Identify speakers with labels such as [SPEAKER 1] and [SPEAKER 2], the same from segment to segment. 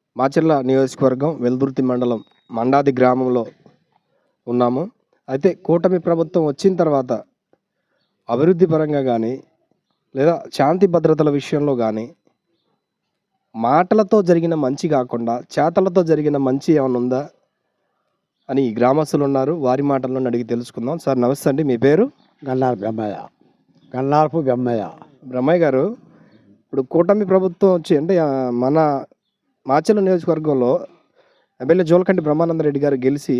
[SPEAKER 1] మాచర్ల నియోజకవర్గం వెల్దుర్తి మండలం మండాది గ్రామంలో ఉన్నాము. అయితే కూటమి ప్రభుత్వం వచ్చిన తర్వాత అభివృద్ధి పరంగా కానీ లేదా శాంతి భద్రతల విషయంలో కానీ మాటలతో జరిగిన మంచి కాకుండా చేతలతో జరిగిన మంచి ఏమైనా ఉందా అని గ్రామస్తులు ఉన్నారు. వారి మాటల్లో అడిగి తెలుసుకుందాం. సార్ నమస్తే అండి, మీ పేరు?
[SPEAKER 2] గన్నారపు బెమ్మయ్య.
[SPEAKER 1] బ్రహ్మయ్య గారు, ఇప్పుడు కూటమి ప్రభుత్వం వచ్చి అంటే మన మాచర్ల నియోజకవర్గంలో ఎమ్మెల్యే జోలకంటి బ్రహ్మానందరెడ్డి గారు గెలిచి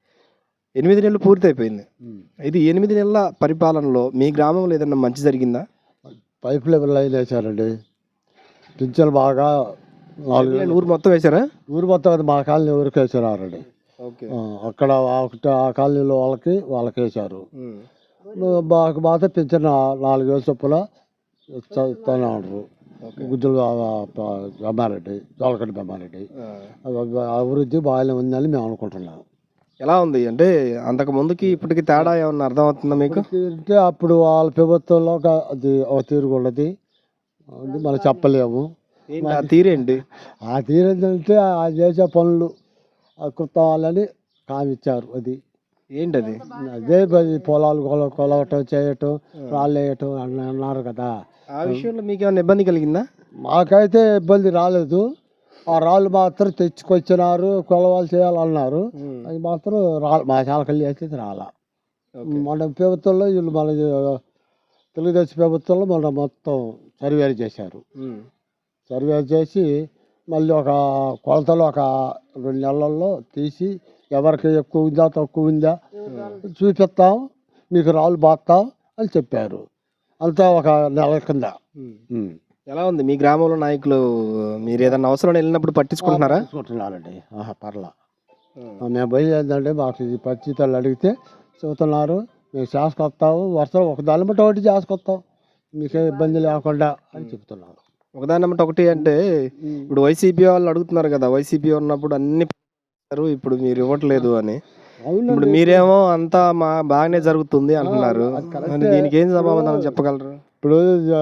[SPEAKER 1] 8 నెలలు పూర్తయిపోయింది. ఇది 8 నెలల పరిపాలనలో మీ గ్రామంలో ఏదైనా మంచి జరిగిందా?
[SPEAKER 2] పైప్ లెవెల్ లైన్ వేశారండి. పింఛన్లు బాగా 4
[SPEAKER 1] ఊరు మొత్తం వేశారా?
[SPEAKER 2] ఊరు మొత్తం మా కాలనీ ఊరికి వేసారండి.
[SPEAKER 1] ఓకే.
[SPEAKER 2] అక్కడ ఆ కాలనీలో వాళ్ళకి వేశారు. బాగా పింఛన్ 4 వేల చొప్పున ఇస్తున్నారు. గుజ్జులు బెమ్మారెడ్డి, జోలకంటి బెమ్మారెడ్డి. అభివృద్ధి బాగానే ఉందని మేము అనుకుంటున్నాం.
[SPEAKER 1] ఎలా ఉంది అంటే అంతకు ముందుకి ఇప్పటికి తేడా ఏమన్నా అర్థమవుతుందా మీకు?
[SPEAKER 2] అంటే అప్పుడు వాళ్ళ ప్రభుత్వంలో అది ఒక తీరుగా ఉన్నది, మనం చెప్పలేము.
[SPEAKER 1] ఆ తీరేంటి?
[SPEAKER 2] ఆ తీరు ఏంటంటే ఆ చేసే పనులు కృతాలని కామిచ్చారు. అది
[SPEAKER 1] ఏంటది?
[SPEAKER 2] అదే పొలాలు కొలవటం చేయటం రాళ్ళు వేయటం అన్నారు కదా.
[SPEAKER 1] ఆ విషయంలో మీకు ఏమైనా ఇబ్బంది కలిగిందా?
[SPEAKER 2] మాకైతే ఇబ్బంది రాలేదు. ఆ రాళ్ళు మాత్రం తెచ్చుకొచ్చినారు, కొలవాలు చేయాలన్నారు. అది మాత్రం మా చాలకల్లి అయితే రాలా. మన ప్రభుత్వంలో వీళ్ళు మన తెలుగుదేశం ప్రభుత్వంలో మన మొత్తం సర్వేలు చేశారు. సర్వేలు చేసి మళ్ళీ ఒక కొలతలు ఒక 2 నెలల్లో తీసి ఎవరికి ఎక్కువ ఉందా తక్కువ ఉందా చూపిస్తాం, మీకు రాళ్ళు బాస్తాం అని చెప్పారు. అంతా ఒక నెల కింద.
[SPEAKER 1] ఎలా ఉంది మీ గ్రామంలో నాయకులు? మీరు ఏదైనా అవసరం వెళ్ళినప్పుడు పట్టించుకుంటున్నారా?
[SPEAKER 2] పట్టించుకుంటున్నారండి. పర్లా. మేము బయలుదేరిందంటే మాకు ఇది పరిస్థితులు అడిగితే చెబుతున్నారు, మేము చేసుకొస్తాము, వర్షం ఒక దాని బట్టి ఒకటి చేసుకొస్తాం, మీకే ఇబ్బంది లేకుండా అని చెప్తున్నారు.
[SPEAKER 1] ఒకదాని బట్టి ఒకటి అంటే ఇప్పుడు వైసీపీ వాళ్ళు అడుగుతున్నారు కదా, వైసీపీ ఉన్నప్పుడు అన్ని ఇప్పుడు మీరు ఇవ్వట్లేదు అని. ఇప్పుడు మీరేమో అంతా బాగానే జరుగుతుంది అంటున్నారు. దీనికి ఏం సమాధానం చెప్పగలరు?
[SPEAKER 2] ఇప్పుడు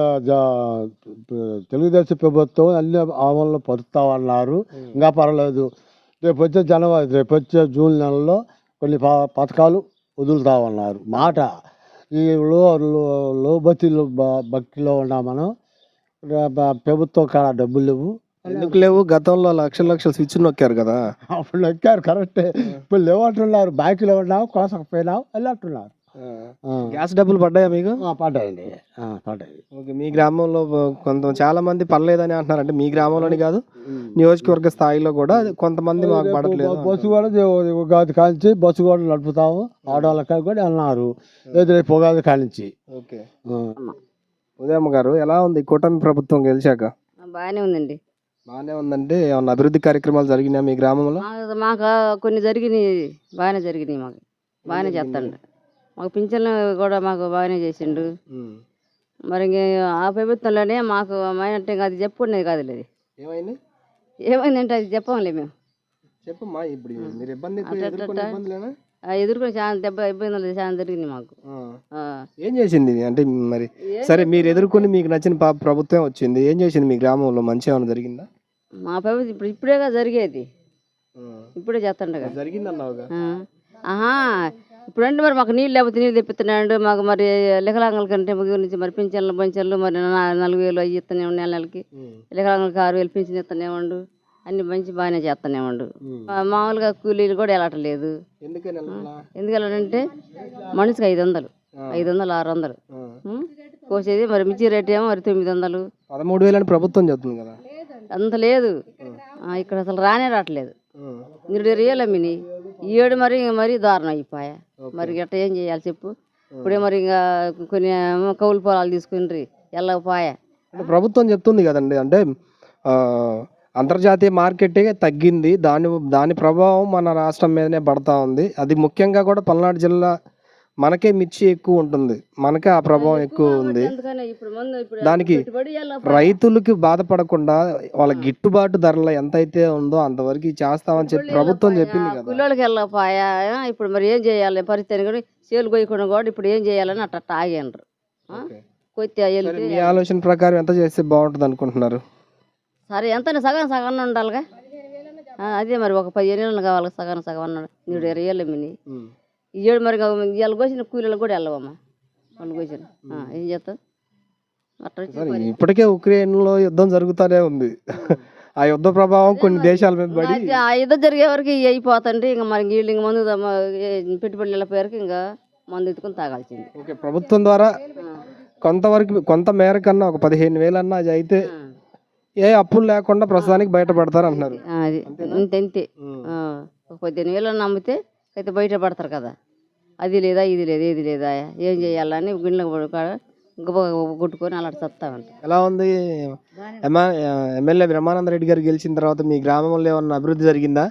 [SPEAKER 2] తెలుగుదేశం ప్రభుత్వం అన్ని అమల్లో పరుస్తామన్నారు. ఇంకా పర్వాలేదు. రేపు వచ్చే జూన్ నెలలో కొన్ని పథకాలు వదులుతామన్నారు. మాట ఈ లో భక్తిలో ఉన్నా మనం. ప్రభుత్వం కాడ డబ్బులు లేవు.
[SPEAKER 1] ఎందుకు లేవు? గతంలో లక్షలు స్విచ్ నొక్కారు కదా.
[SPEAKER 2] అప్పుడు నొక్కారు కరెక్టే. ఇప్పుడు లేవంటున్నారు. బ్యాంకులో ఉన్నావు, కోసకపోయినావు అని అంటున్నారు.
[SPEAKER 1] గ్యాస్ డబ్బులు పడ్డాయా మీకు?
[SPEAKER 2] పడ్డాయండి, పడ్డాయి.
[SPEAKER 1] ఓకే. మీ గ్రామంలో చాలా మంది పడలేదని అంటున్నారు. అంటే మీ గ్రామంలోని కాదు, నియోజకవర్గ స్థాయిలో కూడా కొంతమంది మాకు పడట్లేదు.
[SPEAKER 2] బస్సు కూడా ఉగాది కానించి బస్సు కూడా నడుపుతాము ఆడవాళ్ళకి కూడా అన్నారు. రేపు ఉగాది కానించి.
[SPEAKER 1] ఓకే. ఉదయమ్మ గారు, ఎలా ఉంది కూటమి ప్రభుత్వం గెలిచాక?
[SPEAKER 3] బాగానే ఉందండి.
[SPEAKER 1] బాగానే ఉందంటే ఏమన్నా అభివృద్ధి కార్యక్రమాలు జరిగినాయి మీ గ్రామంలో?
[SPEAKER 3] మాకు కొన్ని జరిగినాయి, బాగానే జరిగినాయి. మాకు బాగానే చేస్తాడు. మాకు పింఛన్లు కూడా మాకు బాగానే చేసిండు. మరి ఆ ప్రభుత్వంలోనే మాకు అంటే అది చెప్పుకునేది కాదు. అది
[SPEAKER 1] ఏమైంది?
[SPEAKER 3] ఏమైందంటే అది చెప్పంలే మేము.
[SPEAKER 1] చెప్పమ్మా. ఇప్పుడు మీరు
[SPEAKER 3] ఎదుర్కొని చాలా ఇబ్బందులు చాలా జరిగింది మాకు.
[SPEAKER 1] ఏం చేసింది అంటే? మరి సరే, మీరు ఎదుర్కొని మీకు నచ్చిన ప్రభుత్వం వచ్చింది, ఏం చేసింది మీ గ్రామంలో? మంచి ఏమైనా జరిగిందా?
[SPEAKER 3] మా ప్రభుత్వం ఇప్పుడేగా జరిగేది, ఇప్పుడే చేస్తుండగా
[SPEAKER 1] జరిగింది అన్నావుగా.
[SPEAKER 3] ఇప్పుడంటే మరి మాకు నీళ్ళు లేకపోతే నీళ్ళు తెప్పిస్తున్నాడు. మాకు మరి వికలాంగుల కంటే గురించి మరి పింఛన్లు మరి 4,000 అవి ఇస్తూనే ఉండు. నెలలకి వికలాంగులకి 6,000 పింఛన్ ఇస్తూనే ఉండు. అన్ని మంచి బాగానే చేస్తూనే ఉండు. మామూలుగా కూలీలు కూడా వెళ్ళట్లేదు. ఎందుకు వెళ్ళాలంటే మనిషికి 500, 600 కోసేది. మరి మిర్చి రేట్ ఏమో మరి 900,
[SPEAKER 1] 13,000 ప్రభుత్వం చెప్తుంది కదా.
[SPEAKER 3] అంత లేదు ఇక్కడ, అసలు రావట్లేదు. 2 అమ్మిని ఈ ఏడు మరి దారుణం అయిపోయా. మరి గట్ట ఏం చేయాలి చెప్పు? ఇప్పుడే మరి ఇంకా కొన్ని కౌలు పొలాలు తీసుకుని వెళ్ళకపోయా.
[SPEAKER 1] ప్రభుత్వం చెప్తుంది కదండి, అంటే అంతర్జాతీయ మార్కెటే తగ్గింది, దాని ప్రభావం మన రాష్ట్రం మీదనే పడతా ఉంది. అది ముఖ్యంగా కూడా పల్నాడు జిల్లా మనకే మిర్చి ఎక్కువ ఉంటుంది, మనకే ఆ ప్రభావం ఎక్కువ ఉంది. దానికి రైతులకి బాధపడకుండా వాళ్ళ గిట్టుబాటు ధరలు ఎంతైతే ఉందో అంతవరకు చేస్తామని చెప్పి ప్రభుత్వం చెప్పింది కదా.
[SPEAKER 3] పిల్లలకి వెళ్ళకపోయా. ఇప్పుడు మరి ఏం చేయాలి? పరిస్థితి కూడా సేలు కొయ్యకుండా కూడా ఇప్పుడు ఏం చేయాలని అట్ట ఆగినరు.
[SPEAKER 1] మీ ఆలోచన ప్రకారం ఎంత చేస్తే బాగుంటుంది అనుకుంటున్నారు?
[SPEAKER 3] సరే ఎంత సగం ఉండాలిగా. అదే మరి ఒక 15 ఏళ్ళు కావాలి సగం సగం అన్నాడు. నీడు 20 ఏళ్ళు మిని ఈ ఏడు మరి ఇవాళ కోసిన కూలీలకు కూడా వెళ్ళవమ్మా వాళ్ళు కోసిన ఏం చేస్తాం అట్లా వచ్చి
[SPEAKER 1] ఇప్పటికే ఉక్రెయిన్ లో యుద్ధం జరుగుతూనే ఉంది. ఆ యుద్ధ ప్రభావం కొన్ని దేశాల మీద పడి
[SPEAKER 3] ఆ యుద్ధం జరిగే వరకు ఇవి అయిపోతండి. ఇంకా మరి వీళ్ళు ఇంక మందు పెట్టుబడులు వెళ్ళిపోయారు. ఇంకా మందు ఎత్తుకుని తాగాల్సింది.
[SPEAKER 1] ఓకే, ప్రభుత్వం ద్వారా కొంతవరకు కొంత మేర కన్నా ఒక 15,000 అన్నా అది అయితే ఏ అప్పులు లేకుండా ప్రస్తుతానికి బయటపడతారు అంటున్నారు.
[SPEAKER 3] అది అంతే ఒక 15,000 నమ్మితే అయితే బయట పడతారు కదా. అది లేదా ఇది లేదా ఏది లేదా ఏం చేయాలని గిన్నెలకు కొట్టుకొని అలా చస్తామంట.
[SPEAKER 1] ఎలా ఉంది ఎమ్మెల్యే బ్రహ్మానంద రెడ్డి గారు గెలిచిన తర్వాత మీ గ్రామంలో ఏమన్నా అభివృద్ధి జరిగిందా?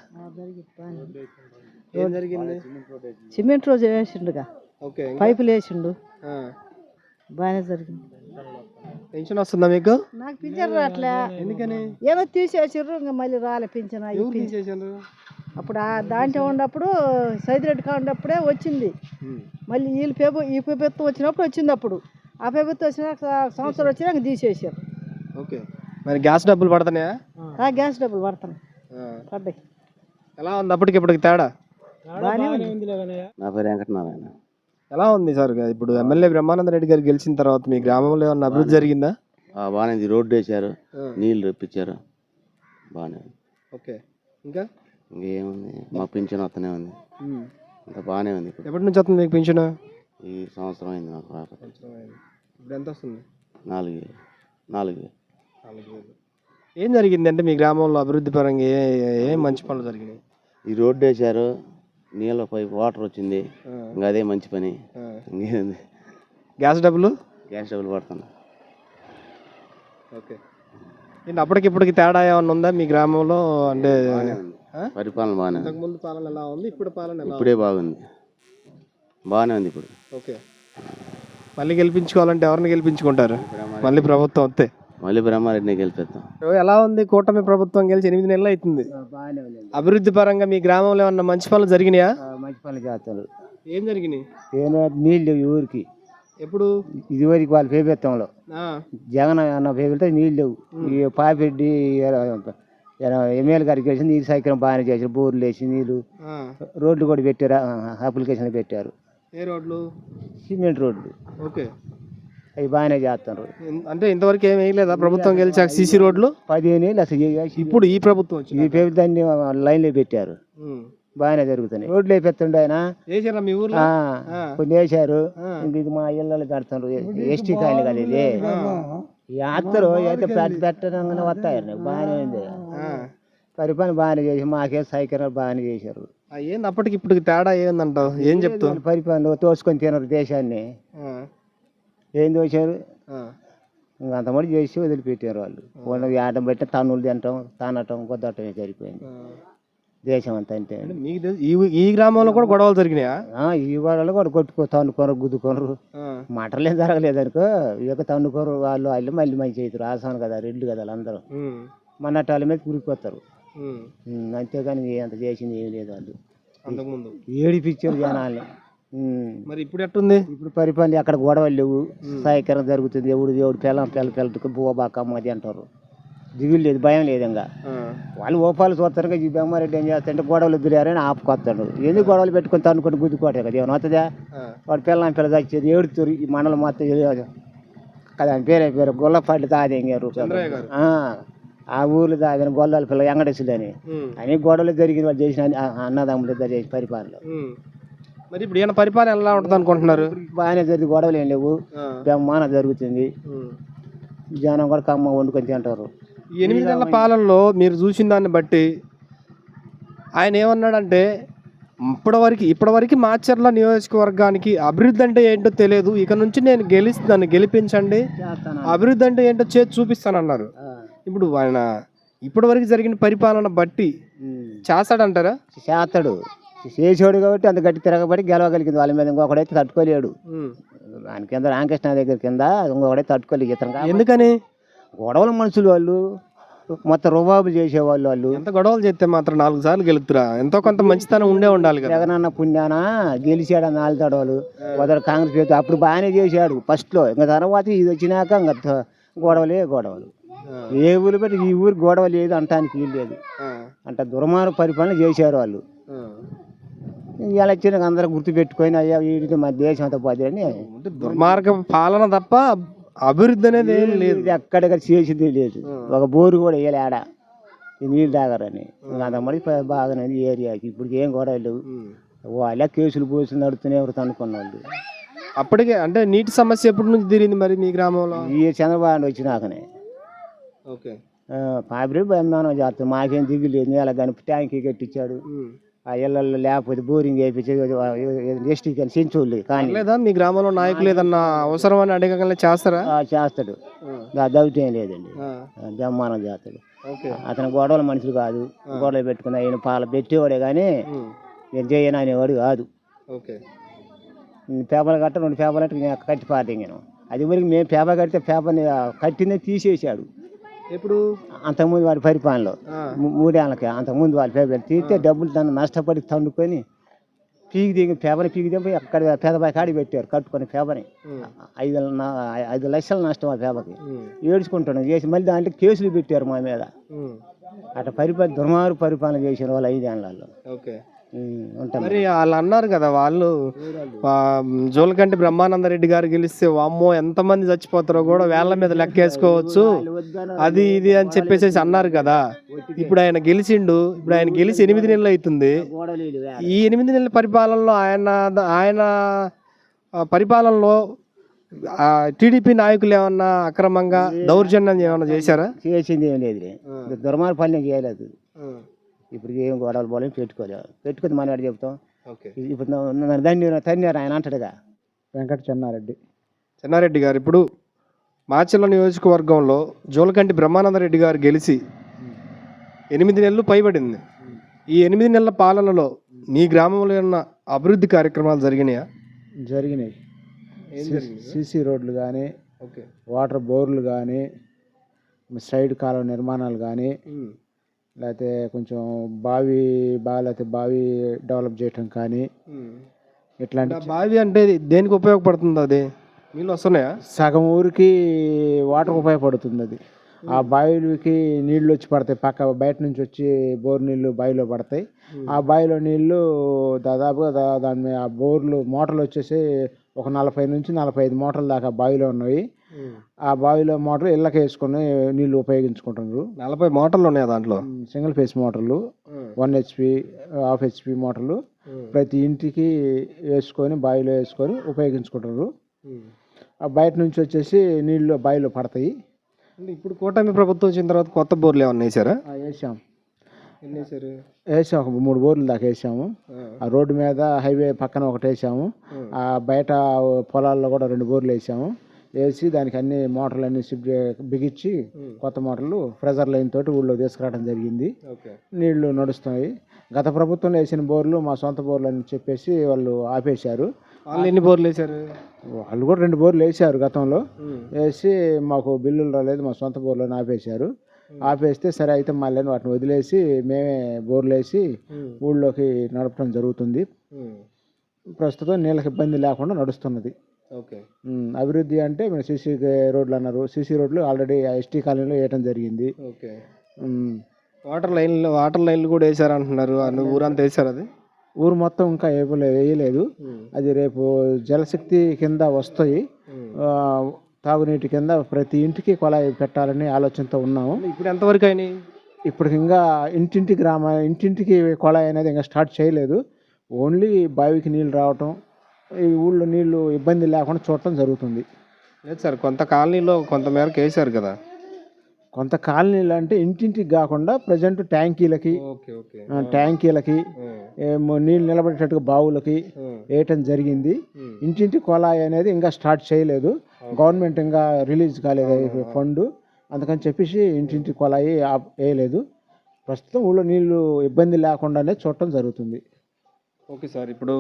[SPEAKER 1] ఏం జరిగింది?
[SPEAKER 4] సిమెంట్ రోజు వేసిండుగా,
[SPEAKER 1] ఓకే,
[SPEAKER 4] పైపులు వేసిండు, బాగానే జరిగింది.
[SPEAKER 1] పెన్షన్ వస్తుందా మీకు?
[SPEAKER 4] నాకు పింఛన్ రావట్లే.
[SPEAKER 1] ఎందుకని?
[SPEAKER 4] ఏదో తీసేసారు, ఇంకా మళ్ళీ రాలే పింఛన్. అప్పుడు దాంట్లో ఉన్నప్పుడు సైదిరెడ్డి కా ఉన్నప్పుడే వచ్చింది. మళ్ళీ ఈ ప్రభుత్వం వచ్చినప్పుడు వచ్చింది. అప్పుడు ఆ ప్రభుత్వం వచ్చినాక సంవత్సరం వచ్చినాక తీసేసారు.
[SPEAKER 1] ఓకే, మరి గ్యాస్ డబ్బులు పడుతున్నాయా?
[SPEAKER 4] గ్యాస్ డబ్బులు పడుతున్నాయి, పడ్డాయి.
[SPEAKER 1] ఎలా ఉంది అప్పటికి ఇప్పటికి తేడా?
[SPEAKER 4] బాగానే ఉంది.
[SPEAKER 2] నా పేరు వెంకటనారాయణ.
[SPEAKER 1] ఎలా ఉంది సార్ ఇప్పుడు ఎమ్మెల్యే బ్రహ్మానంద రెడ్డి గారు గెలిచిన తర్వాత మీ గ్రామంలో ఏమన్నా అభివృద్ధి జరిగిందా?
[SPEAKER 2] బాగానే ఉంది. రోడ్డు వేసారు, నీళ్ళు రప్పించారు, బాగానే ఉంది.
[SPEAKER 1] ఓకే, ఇంకా
[SPEAKER 2] ఇంకేముంది, మా పింఛన్ వస్తూనే ఉంది, ఇంకా బాగానే ఉంది.
[SPEAKER 1] ఎప్పటి నుంచి వస్తుంది మీకు పింఛను?
[SPEAKER 2] ఈ సంవత్సరం అయింది నాకు రాకపోతే.
[SPEAKER 1] ఇప్పుడు ఎంత వస్తుంది?
[SPEAKER 2] 4,000.
[SPEAKER 1] ఏం జరిగింది అంటే మీ గ్రామంలో అభివృద్ధి పరంగా ఏ మంచి పనులు జరిగినాయి?
[SPEAKER 2] ఈ రోడ్డు వేసారు, నీళ్ళ పైపు వాటర్ వచ్చింది, ఇంకా అదే మంచి పని. ఇంకేంది,
[SPEAKER 1] గ్యాస్ డబ్బులు
[SPEAKER 2] పడుతుంది.
[SPEAKER 1] ఓకే, అప్పటికిప్పటికి తేడా ఏమన్నా ఉందా మీ గ్రామంలో? అంటే
[SPEAKER 2] పరిపాలన బాగానే,
[SPEAKER 1] ముందు పాలన ఎలా ఉంది, ఇప్పుడు పాలన
[SPEAKER 2] ఇప్పుడే బాగుంది, బాగానే ఉంది ఇప్పుడు.
[SPEAKER 1] ఓకే, మళ్ళీ గెలిపించుకోవాలంటే ఎవరిని గెలిపించుకుంటారు? మళ్ళీ ప్రభుత్వం వస్తే
[SPEAKER 2] మళ్ళీ బ్రహ్మారెడ్డిని గెలిపిస్తాం.
[SPEAKER 1] ఎలా ఉంది కూటమి ప్రభుత్వం గెలిచి 8 నెలలు అవుతుంది. అభివృద్ధి పరంగా మీ గ్రామంలో ఏమన్నా మంచి పనులు జరిగినాయా?
[SPEAKER 2] మంచి పనులు చేస్తారు.
[SPEAKER 1] ఏం జరిగినాయి?
[SPEAKER 2] నీళ్ళు ఊరికి
[SPEAKER 1] ఎప్పుడు
[SPEAKER 2] ఇదివరకు వాళ్ళ ప్రభుత్వంలో జగన్ అన్న ప్రభుత్వం నీళ్ళు లేవు. ఈ పాపిరెడ్డి ఎమ్మెల్యే గారికి వేసి నీళ్ళు సౌకర్యం బాగానే చేశారు. బోర్లు వేసి నీళ్ళు, రోడ్లు కూడా పెట్టారు, అప్లికేషన్లు పెట్టారు.
[SPEAKER 1] ఏ రోడ్లు?
[SPEAKER 2] సిమెంట్ రోడ్లు.
[SPEAKER 1] ఓకే,
[SPEAKER 2] అవి బాగానే చేస్తారు.
[SPEAKER 1] అంటే ఇంతవరకు ఏం వేయలేదా ప్రభుత్వం గెలిచాక? సీసీ రోడ్లు
[SPEAKER 2] 15 ఏళ్ళు అసలు
[SPEAKER 1] ఇప్పుడు ఈ ప్రభుత్వం
[SPEAKER 2] ఈ ప్రభుత్వాన్ని లైన్లో పెట్టారు, బాగానే జరుగుతున్నాయి. రోడ్లు వేపిస్తుండే ఆయన
[SPEAKER 1] మీ ఊర్లో
[SPEAKER 2] కొన్ని వేసారు. ఇది మా ఇళ్ళలో పెడుతున్నారు. ఎస్టీ కాయలు కదా ఇది యాత్రలు అయితే పెట్టడంగానే వస్తాయండి. బాగానే ఉంది, పరిపాలన బాగానే చేసి మాకే సౌకర్యాలు బాగానే చేశారు.
[SPEAKER 1] ఏంది అప్పటికి ఇప్పటికి తేడా ఏందంటావు? ఏం చెప్తావు?
[SPEAKER 2] పరిపాలన తోసుకొని తినరు దేశాన్ని. ఏం దోశారు, అంతమంది చేసి వదిలిపెట్టారు. వాళ్ళు ఆటం పెట్టి తన్నులు తినటం, తానటం, కొద్దటమే సరిపోయింది దేశం అంతా. అంటే
[SPEAKER 1] ఈ గ్రామంలో కూడా గొడవలు జరిగినాయా?
[SPEAKER 2] ఈ గొడవలు కూడా తన్నుకోరు, గుద్దుకోరు, మటర్లేం జరగలేదు అనుకో. ఇక తన్నుకోరు వాళ్ళు మళ్ళీ మంచి అవుతారు. ఆసాను కదా, రెడ్లు కదా వాళ్ళందరూ. మన్నట్టు వాళ్ళ మీద కురికొస్తారు. అంతేగాని అంత చేసింది ఏమి లేదు. వాళ్ళు
[SPEAKER 1] అంతకుముందు
[SPEAKER 2] ఏడిపించారు జనాల్ని.
[SPEAKER 1] మరి ఇప్పుడు ఎట్టుంది?
[SPEAKER 2] ఇప్పుడు పరిపాలన అక్కడ గొడవలు లేవు, సహాయకరం జరుగుతుంది. ఎవడు పిల్లలకు బోబాకమ్మది అంటారు. దిగులు లేదు, భయం లేదు. ఇంకా వాళ్ళు ఓపాలు చూస్తారు. ఈ బెమ్మారెడ్డి ఏం చేస్తారంటే గొడవలు ఎదురారని ఆపుకొస్తాడు. ఎందుకు గొడవలు పెట్టుకొని తనుకొని గుద్దుకోవటం కదా, ఏమైనా అవుతుందా? వాడు పిల్ల చచ్చేది ఏడుతారు. ఈ మండలం మొత్తం కదా, పేరు గొల్లపాటి తాదేంగారు. ఆ ఊర్లో తాగిన గొల్లాల పిల్ల వెంకటేశ్వరులు అని గొడవలు జరిగిన వాళ్ళు చేసిన అన్నదమ్ములు ఇద్దరు చేసి పరిపాలన.
[SPEAKER 1] మరి ఇప్పుడు ఈయన పరిపాలన ఎలా ఉంటుంది అనుకుంటున్నారు?
[SPEAKER 2] బాగానే జరిగింది, గొడవలు ఏం లేవు, బ్రహ్మాండ జరుగుతుంది. జనం కూడా కమ్మ వండుకొని తింటారు.
[SPEAKER 1] 8 నెలల పాలనలో మీరు చూసిన దాన్ని బట్టి ఆయన ఏమన్నాడంటే ఇప్పటివరకు మాచర్ల నియోజకవర్గానికి అభివృద్ధి అంటే ఏంటో తెలియదు, ఇక నుంచి నేను నన్ను గెలిపించండి, అభివృద్ధి అంటే ఏంటో చేసి చూపిస్తానన్నారు. ఇప్పుడు ఆయన ఇప్పటివరకు జరిగిన పరిపాలన బట్టి చేస్తాడంటారా?
[SPEAKER 2] చేస్తాడు, చేసాడు కాబట్టి అంత గట్టి తిరగబడి గెలవగలిగింది. వాళ్ళ మీద ఇంకొకడైతే తట్టుకోలేడు. ఆయన కింద రామకృష్ణ దగ్గర కింద ఇంకొకడైతే తట్టుకోలేదు. ఇతను ఎందుకని గొడవల మనుషులు వాళ్ళు, మొత్తం రుబాబులు చేసేవాళ్ళు. వాళ్ళు
[SPEAKER 1] ఎంత గొడవలు చేస్తే మాత్రం 4 సార్లు గెలుతురా? ఎంతో కొంత మంచితనం ఉండాలి కదా.
[SPEAKER 2] జగనన్న పుణ్యాన గెలిచాడు 4 తడవలు. మొదలు కాంగ్రెస్ అప్పుడు బాగానే చేశాడు ఫస్ట్ లో. ఇంకా తర్వాత ఇది వచ్చినాక ఇంకా గొడవలే గొడవలు.
[SPEAKER 5] ఏ ఊరు పెట్టి ఈ ఊరు గొడవ లేదు అంటానికి వీలు లేదు. అంత దుర్మార్గ పరిపాలన చేశారు వాళ్ళు. ఇలా వచ్చిన అందరూ గుర్తు పెట్టుకొని అయ్యా వీటితో మా దేశం అంతా పోతుందని.
[SPEAKER 1] దుర్మార్గ పాలన తప్ప అభివృద్ధి అనేది ఏం లేదు.
[SPEAKER 5] ఎక్కడెక్కడ చేసింది లేదు. ఒక బోరు కూడా వేయాలి ఆడ నీళ్ళు తాగరని. అంతమంది బాగానే ఏరియాకి ఇప్పుడు ఏం గొడవ లేవు. వాళ్ళ కేసులు పోసులు నడుతూనే ఎవరు అనుకున్న వాళ్ళు.
[SPEAKER 1] అప్పటికే అంటే నీటి సమస్య ఎప్పటి నుంచి తీరింది మరి మీ గ్రామంలో?
[SPEAKER 5] ఈ చంద్రబాబు వచ్చినాకనే పాపిరి బహుమానం చేస్తాం. మాకేం దిగులు లేదు. నెల కానీ ట్యాంకీ కట్టించాడు. ఆ ఇళ్ళల్లో లేకపోతే బోరింగ్ వేయించి ఎస్టీ కానీ సెంచోళ్ళు కానీ
[SPEAKER 1] లేదా మీ గ్రామంలో నాయకులు ఏదన్నా అవసరం అని అడగగల చేస్తారా?
[SPEAKER 5] చేస్తాడు. దౌత్యం లేదండి. బహుమానం చేస్తాడు. అతను గొడవల మనుషులు కాదు. గొడవలు పెట్టుకుని ఆయన పాల పెట్టేవాడే కానీ నేను చేయను అనేవాడు కాదు. పేపర్లు కట్ట 2 పేపర్లు అంటే కట్టి పాటింగాను. అది వరకు మేము పేపర్ కడితే పేపర్ని కట్టిందే తీసేసాడు.
[SPEAKER 1] ఇప్పుడు
[SPEAKER 5] అంతకుముందు వాడి పరిపాలనలో 3 ఏళ్ళకి అంతకుముందు వాళ్ళ పేపర్ తీస్తే డబ్బులు దాన్ని నష్టపడి తండుకొని పీకి దిగి పేపర్ని పీకి దిగి అక్కడ పేదబాయి కాడికి పెట్టారు కట్టుకొని పేపర్ని. 5 లక్షల నష్టం ఆ పేపర్కి. ఏడ్చుకుంటున్నాం చేసి మళ్ళీ దాంట్లో కేసులు పెట్టారు మా మీద. అట్లా దుర్మార్గ పరిపాలన చేసిన వాళ్ళు 5 ఏళ్ళలో ఉంటాం.
[SPEAKER 1] మరి వాళ్ళు అన్నారు కదా, వాళ్ళు జోలకంటి బ్రహ్మానందరెడ్డి గారు గెలిస్తే వామ్మో ఎంతమంది చచ్చిపోతారో కూడా వేళ్ల మీద లెక్కేసుకోవచ్చు అది ఇది అని చెప్పేసి అన్నారు కదా. ఇప్పుడు ఆయన గెలిచిండు. ఇప్పుడు ఆయన గెలిచి 8 నెలలు అవుతుంది. ఈ 8 నెలల పరిపాలనలో ఆయన పరిపాలనలో టీడీపీ నాయకులు ఏమన్నా అక్రమంగా దౌర్జన్యం ఏమన్నా చేశారా?
[SPEAKER 5] చేసింది ఏం లేదు. దుర్మార్గ పని చేయలేదు. ఇప్పుడు ఏం గొడవలు పోలేం పెట్టుకుని మన వాడు చెప్తాం. ఇప్పుడు తన్నారు ఆయన అంటాడుగా.
[SPEAKER 2] వెంకట
[SPEAKER 1] చెన్నారెడ్డి గారు ఇప్పుడు మాచర్ల నియోజకవర్గంలో జోలకంటి బ్రహ్మానందరెడ్డి గారు గెలిచి 8 నెలలు పైబడింది. ఈ 8 నెలల పాలనలో మీ గ్రామంలో ఉన్న అభివృద్ధి కార్యక్రమాలు జరిగినాయా?
[SPEAKER 2] జరిగినాయి. సీసీ రోడ్లు కానీ, వాటర్ బోర్లు కానీ, సైడ్ కాలువ నిర్మాణాలు కానీ, లేకపోతే కొంచెం లేకపోతే బావి డెవలప్ చేయటం కానీ ఇట్లాంటి.
[SPEAKER 1] బావి అంటే దేనికి ఉపయోగపడుతుంది? అది నీళ్ళు వస్తున్నాయా?
[SPEAKER 2] సగం ఊరికి వాటర్ ఉపయోగపడుతుంది. అది ఆ బావిలకి నీళ్ళు వచ్చి పడతాయి. బయట నుంచి వచ్చి బోర్ నీళ్ళు బావిలో పడతాయి. ఆ బావిలో నీళ్ళు దాదాపుగా దాని మీద ఆ బోర్లు మోటార్లు వచ్చేసి ఒక 40 నుంచి 45 మోటార్ల దాకా బావిలో ఉన్నాయి. ఆ బావిలో మోటార్లు ఇళ్ళకి వేసుకొని నీళ్ళు ఉపయోగించుకుంటున్నారు.
[SPEAKER 1] 40 మోటార్లు ఉన్నాయి దాంట్లో.
[SPEAKER 2] సింగిల్ ఫేస్ మోటార్లు, 1 HP, హాఫ్ HP మోటార్లు ప్రతి ఇంటికి వేసుకొని బావిలో వేసుకొని ఉపయోగించుకుంటున్నారు. ఆ బయట నుంచి వచ్చేసి నీళ్ళు బావిలో పడతాయి.
[SPEAKER 1] ఇప్పుడు కూటమి ప్రభుత్వం వచ్చిన తర్వాత కొత్త బోర్లు ఏమన్నా వేసారా?
[SPEAKER 2] వేసాం. వేసాం. 3 బోర్లు దాకా వేసాము. ఆ రోడ్డు మీద హైవే పక్కన ఒకటి వేసాము. ఆ బయట పొలాల్లో కూడా 2 బోర్లు వేసాము. వేసి దానికి అన్ని మోటార్లు అన్ని బిగించి కొత్త మోటార్లు ప్రెజర్ లైన్ తోటి ఊళ్ళో తీసుకురావడం జరిగింది. నీళ్లు నడుస్తున్నాయి. గత ప్రభుత్వంలో వేసిన బోర్లు మా సొంత బోర్లు అని చెప్పేసి వాళ్ళు ఆపేశారు.
[SPEAKER 1] వాళ్ళు ఎన్ని బోర్లు వేశారు?
[SPEAKER 2] వాళ్ళు కూడా 2 బోర్లు వేసారు గతంలో. వేసి మాకు బిల్లులు రాలేదు, మా సొంత బోర్లను ఆపేశారు. ఆపేస్తే సరే అయితే మళ్ళీ వాటిని వదిలేసి మేమే బోర్లు వేసి ఊళ్ళోకి నడపడం జరుగుతుంది. ప్రస్తుతం నీళ్ళకి ఇబ్బంది లేకుండా నడుస్తున్నది. అభివృద్ధి అంటే మేము సీసీ రోడ్లు అన్నారు. సీసీ రోడ్లు ఆల్రెడీ ఎస్టీ కాలనీలో వేయటం జరిగింది.
[SPEAKER 1] వాటర్ లైన్లు కూడా వేసారు అంటున్నారు. ఊరంతా వేసారు? అది
[SPEAKER 2] ఊరు మొత్తం ఇంకా వేయలేదు. అది రేపు జలశక్తి కింద వస్తాయి. తాగునీటి కింద ప్రతి ఇంటికి కొలాయి పెట్టాలని ఆలోచనతో ఉన్నాము.
[SPEAKER 1] ఇప్పుడు ఎంతవరకు అయినాయి?
[SPEAKER 2] ఇప్పుడు ఇంకా ఇంటింటికి కొలాయి అనేది ఇంకా స్టార్ట్ చేయలేదు. ఓన్లీ బావికి నీళ్ళు రావటం, ఈ ఊళ్ళో నీళ్లు ఇబ్బంది లేకుండా చూడటం జరుగుతుంది.
[SPEAKER 1] లేదు సార్, కొంత కాలనీలో కొంత మేరకు వేసారు కదా.
[SPEAKER 2] కొంత కాలనీలు అంటే ఇంటింటికి కాకుండా ప్రజెంట్ ట్యాంకీలకి నీళ్ళు నిలబడేటట్టుగా బావులకి వేయటం జరిగింది. ఇంటింటి కొలాయి అనేది ఇంకా స్టార్ట్ చేయలేదు. గవర్నమెంట్ ఇంకా రిలీజ్ కాలేదు ఫండ్. అందుకని చెప్పేసి ఇంటింటి కొలాయి వేయలేదు. ప్రస్తుతం ఊళ్ళో నీళ్లు ఇబ్బంది లేకుండానే చూడటం జరుగుతుంది.
[SPEAKER 1] ఓకే సార్, ఇప్పుడు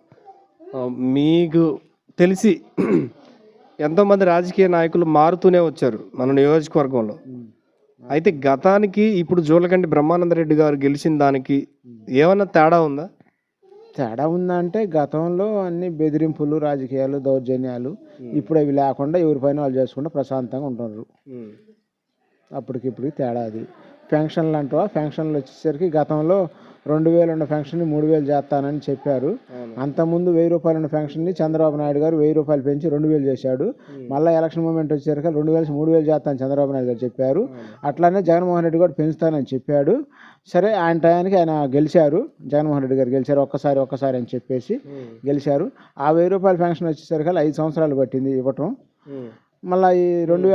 [SPEAKER 1] మీకు తెలిసి ఎంతోమంది రాజకీయ నాయకులు మారుతూనే వచ్చారు మన నియోజకవర్గంలో. అయితే గతానికి ఇప్పుడు జోలకంటి బ్రహ్మానందరెడ్డి గారు గెలిచిన దానికి ఏమన్నా తేడా ఉందా?
[SPEAKER 2] తేడా ఉందా అంటే గతంలో అన్ని బెదిరింపులు, రాజకీయాలు, దౌర్జన్యాలు. ఇప్పుడు అవి లేకుండా ఎవరి పైన వాళ్ళు చేసుకుంటే ప్రశాంతంగా ఉంటున్నారు. అప్పటికిప్పటికి తేడా అది. పెన్షన్లు అంటావా, పెన్షన్లు వచ్చేసరికి గతంలో 2000 ఉన్న పెన్షన్ని 3000 చేస్తానని చెప్పారు. అంతకుముందు 1000 రూపాయలు ఉన్న పెన్షన్ని చంద్రబాబు నాయుడు గారు 1000 రూపాయలు పెంచి 2000 చేశాడు. మళ్ళీ ఎలక్షన్ మూమెంట్ వచ్చేసరికి 2000 3000 చేస్తానని చంద్రబాబు నాయుడు గారు చెప్పారు. అట్లానే జగన్మోహన్ రెడ్డి కూడా పెంచుతానని చెప్పాడు. సరే, ఆయన టయానికి ఆయన గెలిచారు, జగన్మోహన్ రెడ్డి గారు గెలిచారు. ఒక్కసారి అని చెప్పేసి గెలిచారు. ఆ 1000 రూపాయల పెన్షన్ వచ్చేసరికి 5 సంవత్సరాలు పట్టింది ఇవ్వటం. మళ్ళీ ఈ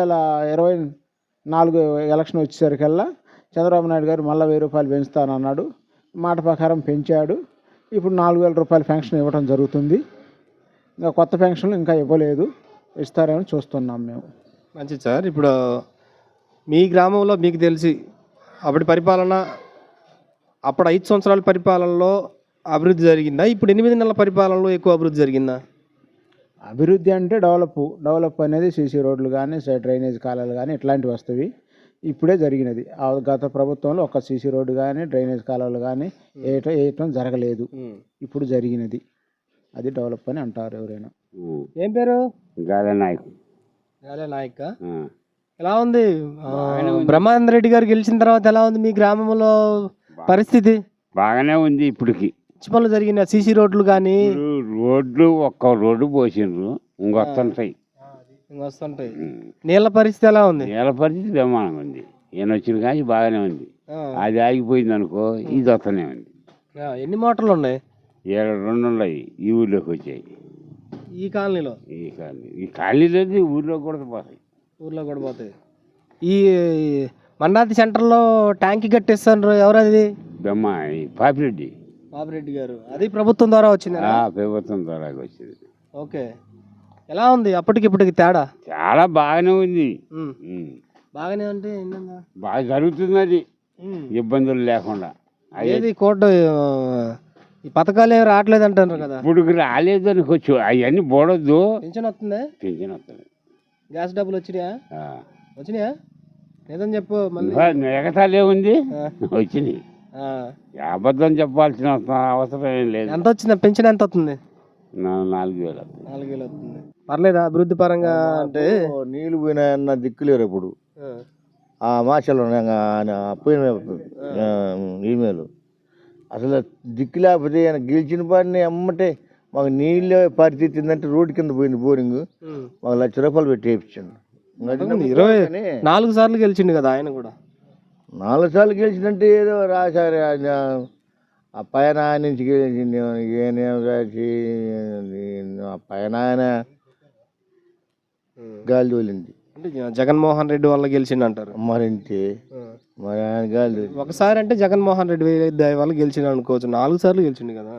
[SPEAKER 2] 2024 ఎలక్షన్ వచ్చేసరికల్లా చంద్రబాబు నాయుడు గారు మళ్ళీ 1000 రూపాయలు పెంచుతానన్నాడు. మాట ప్రకారం పెంచాడు. ఇప్పుడు 4000 రూపాయల పెన్షన్ ఇవ్వడం జరుగుతుంది. ఇంకా కొత్త పెన్షన్లు ఇంకా ఇవ్వలేదు, ఇస్తారేమో చూస్తున్నాం మేము.
[SPEAKER 1] మంచిది సార్. ఇప్పుడు మీ గ్రామంలో మీకు తెలిసి అప్పటి పరిపాలన, అప్పుడు 5 సంవత్సరాల పరిపాలనలో అభివృద్ధి జరిగిందా? ఇప్పుడు 8 నెలల పరిపాలనలో ఎక్కువ అభివృద్ధి జరిగిందా?
[SPEAKER 2] అభివృద్ధి అంటే డెవలప్ అనేది సీసీ రోడ్లు కానీ, డ్రైనేజ్ కాలాలు కానీ ఇట్లాంటివి వస్తాయి. ఇప్పుడే జరిగినది. ఆ గత ప్రభుత్వంలో ఒక సీసీ రోడ్డు కానీ, డ్రైనేజ్ కాలువలు కానీ వేయటం జరగలేదు. ఇప్పుడు జరిగినది. అది డెవలప్ అని అంటారు ఎవరైనా.
[SPEAKER 1] ఏం పేరు?
[SPEAKER 6] గాలే నాయక్.
[SPEAKER 1] గాలే నాయక్. ఎలా ఉంది బ్రహ్మానంద రెడ్డి గారు గెలిచిన తర్వాత? ఎలా ఉంది మీ గ్రామంలో పరిస్థితి?
[SPEAKER 6] బాగానే ఉంది. ఇప్పటికి
[SPEAKER 1] పనులు జరిగిన సీసీ రోడ్లు కానీ,
[SPEAKER 6] రోడ్లు ఒక్క రోడ్డు పోసిండ్రు, ఇంకొస్తుంటాయి.
[SPEAKER 1] నీళ్ళ పరిస్థితి ఎలా ఉంది?
[SPEAKER 6] నీళ్ళ పరిస్థితి బ్రహ్మాండంగా ఉంది. ఈయన వచ్చిన కానీ బాగానే ఉంది. అది ఆగిపోయింది అనుకో, ఇది వస్తూనే ఉంది.
[SPEAKER 1] ఎన్ని మోటార్లు ఉన్నాయి?
[SPEAKER 6] 2 ఉన్నాయి ఈ ఊర్లోకి వచ్చాయి.
[SPEAKER 1] ఈ కాలనీలో?
[SPEAKER 6] ఈ కాలనీలో ఊర్లో కూడా పోతాయి. ఈ
[SPEAKER 1] మండాతి సెంటర్లో ట్యాంక్ కట్టేస్తారు. ఎవరది?
[SPEAKER 6] పాపిరెడ్డి
[SPEAKER 1] గారు. అది ప్రభుత్వం ద్వారా వచ్చింది?
[SPEAKER 6] ప్రభుత్వం ద్వారా వచ్చింది.
[SPEAKER 1] ఓకే. ఎలా ఉంది అప్పటికి ఇప్పటికి తేడా?
[SPEAKER 6] చాలా బాగానే ఉంది.
[SPEAKER 1] బాగానే అంటే
[SPEAKER 6] బాగా జరుగుతుంది, అది ఇబ్బందులు లేకుండా.
[SPEAKER 1] అది కోర్టు ఈ పథకాలు ఏమి రావట్లేదు అంటారు కదా?
[SPEAKER 6] ఇప్పుడు రాలేదు అనుకోవచ్చు. అవన్నీ పోడొద్దు.
[SPEAKER 1] పెన్షన్ వస్తుంది?
[SPEAKER 6] పెన్షన్ వస్తుంది.
[SPEAKER 1] గ్యాస్ డబ్బులు వచ్చినాయా? లేదని చెప్పు.
[SPEAKER 6] ఎగతాలే ఉంది, వచ్చినాయి. అబద్ధం చెప్పాల్సిన అవసరం ఏం లేదు.
[SPEAKER 1] ఎంత వచ్చింది పెన్షన్? ఎంత వస్తుంది?
[SPEAKER 6] 4000.
[SPEAKER 1] 4000 వస్తుంది. పర్లేదా అభివృద్ధి పరంగా? అంటే
[SPEAKER 7] నీళ్ళు పోయినాయన్న దిక్కులేరు ఇప్పుడు. ఆ మాషలో పోయిన ఈమెయిల్ అసలు దిక్కు లేకపోతే ఆయన గెలిచిన పాడిని అమ్మటే మాకు నీళ్ళే పరిస్థితి ఏంటంటే రోడ్డు కింద పోయింది బోరింగ్. మాకు 1,00,000 రూపాయలు పెట్టి వేయించండి.
[SPEAKER 1] 24 సార్లు గెలిచిండు కదా ఆయన కూడా.
[SPEAKER 7] 4 సార్లు గెలిచినంటే ఏదో రాశారు. ఆ పైన ఆయన నుంచి గెలిచింది, ఏనేం రాసి ఆ పైన ఆయన గాలి తోలింది.
[SPEAKER 1] అంటే జగన్మోహన్ రెడ్డి వల్ల గెలిచిండు అంటారు.
[SPEAKER 7] మరింతే మరి ఆయన గాలి తోలి
[SPEAKER 1] ఒకసారి అంటే జగన్మోహన్ రెడ్డి దయ వల్ల గెలిచిండు అనుకోవచ్చు. 4 సార్లు గెలిచిండు కదా.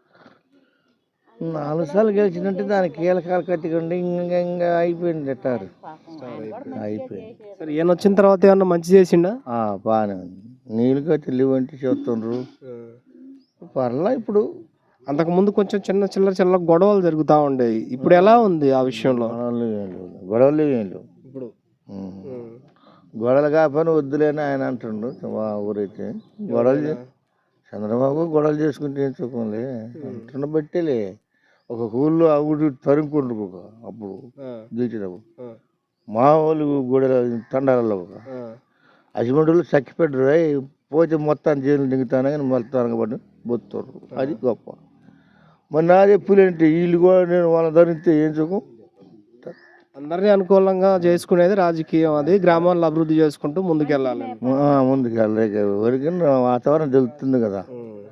[SPEAKER 7] 4 సార్లు గెలిచిందంటే దానికి కీలకాలు కట్టుకోండి. ఇంకా అయిపోయింది అంటారు. అయిపోయింది.
[SPEAKER 1] సరే, ఈయన వచ్చిన తర్వాత ఏమన్నా మంచి చేసిండా?
[SPEAKER 7] బాగానే ఉంది. నీళ్ళు కట్టి లేవంటే చూస్తుండ్రు. పర్లా. ఇప్పుడు
[SPEAKER 1] అంతకుముందు కొంచెం చిన్న గొడవలు జరుగుతూ ఉండేవి. ఇప్పుడు ఎలా ఉంది ఆ విషయంలో?
[SPEAKER 7] గొడవలు ఏం లేవు ఇప్పుడు. గొడవలు కాకపోయినా వద్దులేని ఆయన అంటుండ్రు. మా ఊరైతే గొడవలు చంద్రబాబు గొడవలు చేసుకుంటే ఏం చూపలే అంటున్న బట్టేలే. ఒక ఊళ్ళో ఆ ఊరి తరుముకుండ్రు అప్పుడు గెలిచినప్పుడు. మా వాళ్ళు గొడవ తండాలలో అసిమంటులు చక్కిపెట్టరు. పోతే మొత్తాన్ని జైలు దిగుతాను కానీ మొత్తానికి పడి బొత్తారు. అది గొప్ప. మరి నాదే పులేంటి వీళ్ళు కూడా నేను వాళ్ళ ధరిస్తే ఏం సుఖం?
[SPEAKER 1] అందరినీ అనుకూలంగా చేసుకునేది రాజకీయం. అది గ్రామాల్లో అభివృద్ధి చేసుకుంటూ ముందుకెళ్ళాలి.
[SPEAKER 7] ముందుకెళ్ళలేక ఎవరికైనా వాతావరణం తెలుస్తుంది కదా.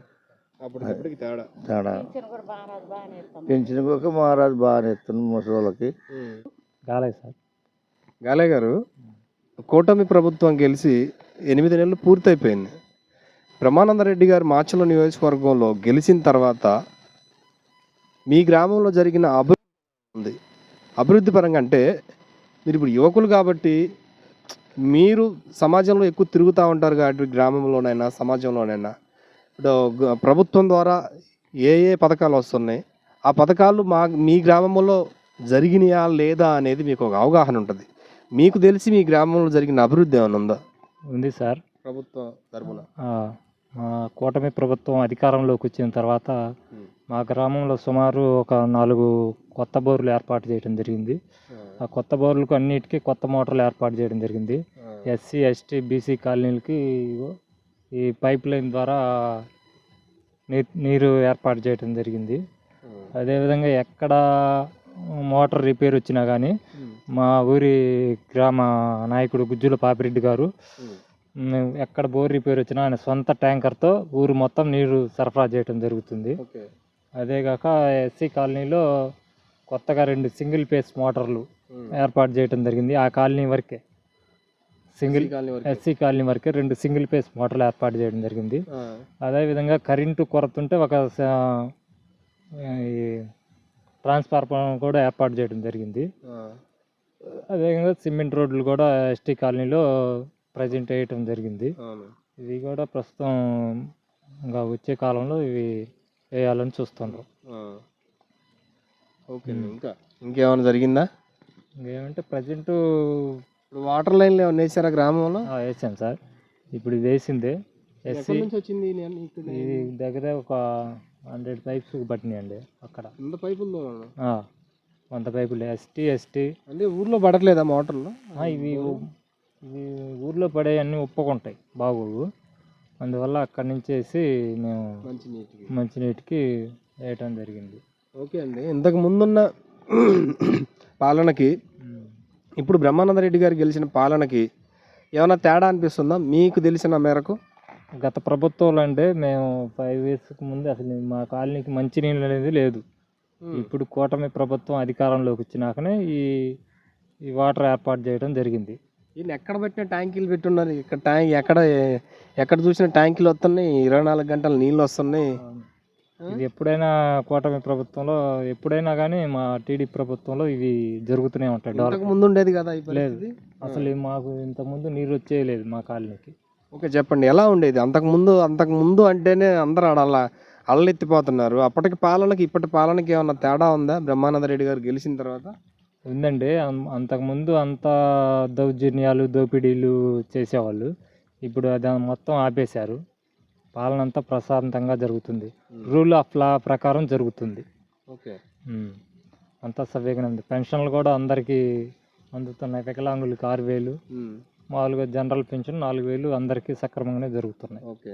[SPEAKER 7] తేడా పెంచిన ఒక మహారాజు బాగానే ఇస్తుంది ముసలికి.
[SPEAKER 1] గాలే గారు, కూటమి ప్రభుత్వం గెలిచి 8 నెలలు పూర్తయిపోయింది. బ్రహ్మానంద రెడ్డి గారు మాచర్ల నియోజకవర్గంలో గెలిచిన తర్వాత మీ గ్రామంలో జరిగిన అభివృద్ధి పరంగా అంటే మీరు ఇప్పుడు యువకులు కాబట్టి మీరు సమాజంలో ఎక్కువ తిరుగుతూ ఉంటారు కాబట్టి గ్రామంలోనైనా సమాజంలోనైనా ఇప్పుడు ప్రభుత్వం ద్వారా ఏ పథకాలు వస్తున్నాయి, ఆ పథకాలు మీ గ్రామంలో జరిగినాయా లేదా అనేది మీకు ఒక అవగాహన ఉంటుంది. మీకు తెలిసి మీ గ్రామంలో జరిగిన అభివృద్ధి ఏమైనా ఉందా?
[SPEAKER 8] ఉంది సార్.
[SPEAKER 1] ప్రభుత్వం తరపున
[SPEAKER 8] మా కూటమి ప్రభుత్వం అధికారంలోకి వచ్చిన తర్వాత మా గ్రామంలో సుమారు ఒక 4 కొత్త బోర్లు ఏర్పాటు చేయడం జరిగింది. ఆ కొత్త బోర్లకు అన్నిటికీ కొత్త మోటార్లు ఏర్పాటు చేయడం జరిగింది. ఎస్సీ ఎస్టీ బీసీ కాలనీలకి ఈ పైప్ లైన్ ద్వారా నీరు ఏర్పాటు చేయడం జరిగింది. అదేవిధంగా ఎక్కడ మోటార్ రిపేర్ వచ్చినా కానీ మా ఊరి గ్రామ నాయకుడు గుజ్జుల పాపిరెడ్డి గారు ఎక్కడ బోర్ రిపేర్ వచ్చినా ఆయన సొంత ట్యాంకర్తో ఊరు మొత్తం నీరు సరఫరా చేయడం జరుగుతుంది. అదేగాక ఎస్సీ కాలనీలో కొత్తగా 2 సింగిల్ ఫేస్ మోటార్లు ఏర్పాటు చేయడం జరిగింది. ఆ కాలనీ వరకే ఎస్సీ కాలనీ వరకే 2 సింగిల్ ఫేస్ మోటార్లు ఏర్పాటు చేయడం జరిగింది. అదేవిధంగా కరెంటు కొరత ఉంటే ఒక ట్రాన్స్ఫార్మర్ కూడా ఏర్పాటు చేయడం జరిగింది. అదేవిధంగా సిమెంట్ రోడ్లు కూడా ఎస్టీ కాలనీలో ప్రజెంట్ వేయటం జరిగింది. ఇవి కూడా ప్రస్తుతం ఇంకా వచ్చే కాలంలో ఇవి వేయాలని చూస్తుండ్రు.
[SPEAKER 1] ఓకే, ఇంకేమైనా జరిగిందా?
[SPEAKER 8] ఇంకేమంటే ప్రజెంట్
[SPEAKER 1] ఇప్పుడు వాటర్ లైన్లు ఏమైనా వేసారా గ్రామంలో?
[SPEAKER 8] వేసాం సార్. ఇప్పుడు ఇది వేసిందే. ఎస్సీ
[SPEAKER 1] నుంచి వచ్చింది
[SPEAKER 8] ఇది దగ్గర ఒక 100 పైప్స్ పట్టినాయండి. అక్కడ
[SPEAKER 1] 100 పైపులు
[SPEAKER 8] 100 పైపులు ఎస్టీ
[SPEAKER 1] అంటే ఊర్లో పడట్లేదా మోటార్లు?
[SPEAKER 8] ఇవి ఊర్లో పడే అన్నీ ఒప్పుకుంటాయి బాగోవు. అందువల్ల అక్కడి నుంచి వేసి మేము మంచినీటికి వేయటం జరిగింది.
[SPEAKER 1] ఓకే అండి, ఇంతకు ముందున్న పాలనకి ఇప్పుడు బ్రహ్మానంద రెడ్డి గారు గెలిచిన పాలనకి ఏమైనా తేడా అనిపిస్తుందా మీకు తెలిసిన మేరకు?
[SPEAKER 8] గత ప్రభుత్వంలో అంటే మేము 5 yearsకి ముందు అసలు మా కాలనీకి మంచినీళ్ళు అనేది లేదు. ఇప్పుడు కూటమి ప్రభుత్వం అధికారంలోకి వచ్చినాకనే ఈ వాటర్ ఏర్పాటు చేయడం జరిగింది.
[SPEAKER 1] ఈయన ఎక్కడ పెట్టిన ట్యాంకీలు పెట్టున్నారు. ఇక్కడ ఎక్కడ చూసిన ట్యాంకీలు వస్తున్నాయి, 24 గంటలు నీళ్ళు వస్తున్నాయి.
[SPEAKER 8] ఇది ఎప్పుడైనా కూటమి ప్రభుత్వంలో ఎప్పుడైనా కానీ మా టీడీపీ ప్రభుత్వంలో ఇవి జరుగుతూనే ఉంటాయి.
[SPEAKER 1] ఇంతకు ముందు ఉండేది కదా?
[SPEAKER 8] లేదు, అసలు మాకు ఇంతకుముందు నీరు వచ్చేయలేదు మా కాలనీకి.
[SPEAKER 1] ఓకే, చెప్పండి ఎలా ఉండేది అంతకుముందు అంటేనే అందరూ అలా అల్లెత్తిపోతున్నారు. అప్పటికి పాలనకి ఇప్పటి పాలనకి ఏమన్నా తేడా ఉందా బ్రహ్మానంద రెడ్డి గారు గెలిచిన తర్వాత?
[SPEAKER 8] ఉందండి. అంతకుముందు అంత దౌర్జన్యాలు దోపిడీలు చేసేవాళ్ళు. ఇప్పుడు అది మొత్తం ఆపేశారు. పాలన అంతా ప్రశాంతంగా జరుగుతుంది. రూల్ ఆఫ్ లా ప్రకారం జరుగుతుంది.
[SPEAKER 1] ఓకే,
[SPEAKER 8] అంతా సవ్యంగా ఉంది. పెన్షన్లు కూడా అందరికీ అందుతున్నాయి. వికలాంగులకి 6,000, మామూలుగా జనరల్ పెన్షన్ 4,000 అందరికీ సక్రమంగానే జరుగుతున్నాయి.
[SPEAKER 1] ఓకే,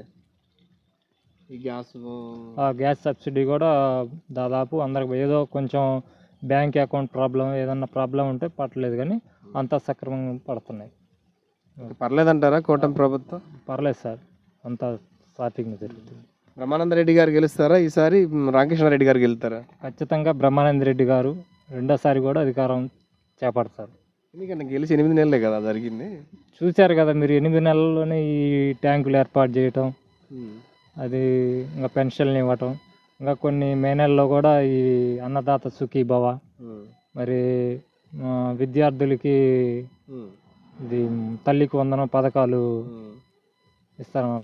[SPEAKER 1] ఈ
[SPEAKER 8] గ్యాస్ సబ్సిడీ కూడా దాదాపు అందరికి ఏదో కొంచెం బ్యాంక్ అకౌంట్ ప్రాబ్లం ఏదన్నా ప్రాబ్లం ఉంటే పట్టలేదు, కానీ అంతా సక్రమంగా పడుతున్నాయి.
[SPEAKER 1] పర్లేదంటారా కూటమి ప్రభుత్వం?
[SPEAKER 8] పర్లేదు సార్, అంతా సాఫీగా జరుగుతుంది.
[SPEAKER 1] బ్రహ్మానంద రెడ్డి గారు గెలుస్తారా ఈసారి? రామకృష్ణారెడ్డి గారు గెలుస్తారా?
[SPEAKER 8] ఖచ్చితంగా బ్రహ్మానంద రెడ్డి గారు రెండోసారి కూడా అధికారం చేపడతారు.
[SPEAKER 1] ఎందుకంటే గెలిచి 8 నెలలే కదా జరిగింది.
[SPEAKER 8] చూశారు కదా మీరు, 8 నెలల్లోనే ఈ ట్యాంకులు ఏర్పాటు చేయటం, అది ఇంకా పెన్షన్లు ఇవ్వటం, ఇంకా కొన్ని మే నెలలో కూడా ఈ అన్నదాత సుఖీభవ, మరి విద్యార్థులకి ఇది తల్లికి వందనం పథకాలు ఇస్తారు.